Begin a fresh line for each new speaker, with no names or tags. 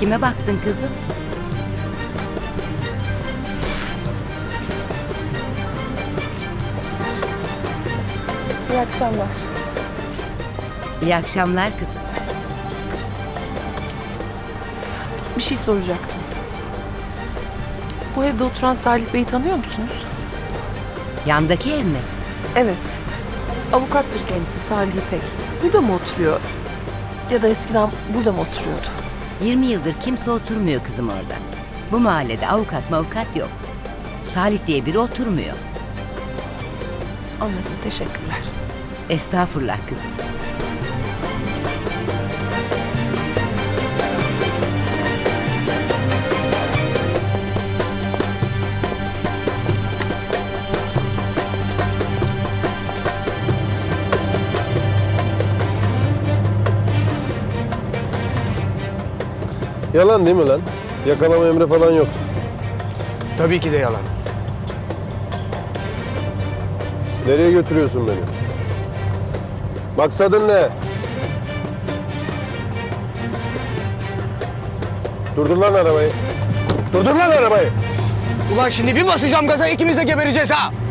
Kime baktın kızım?
İyi akşamlar.
İyi akşamlar kızım.
Bir şey soracaktım. Bu evde oturan Salih Bey'i tanıyor musunuz?
Yandaki ev mi?
Evet. Avukattır kendisi Salih İpek. Burada mı oturuyor? Ya da eskiden burada mı oturuyordu?
20 yıldır kimse oturmuyor kızım orada. Bu mahallede avukat yok. Salih diye biri oturmuyor.
Anladım, teşekkürler.
Estağfurullah kızım.
Yalan değil mi lan? Yakalama emri falan yok.
Tabii ki de yalan.
Nereye götürüyorsun beni? Maksadın ne? Durdur lan arabayı. Durdur lan arabayı.
Ulan şimdi bir basacağım gaza ikimiz de gebereceğiz ha.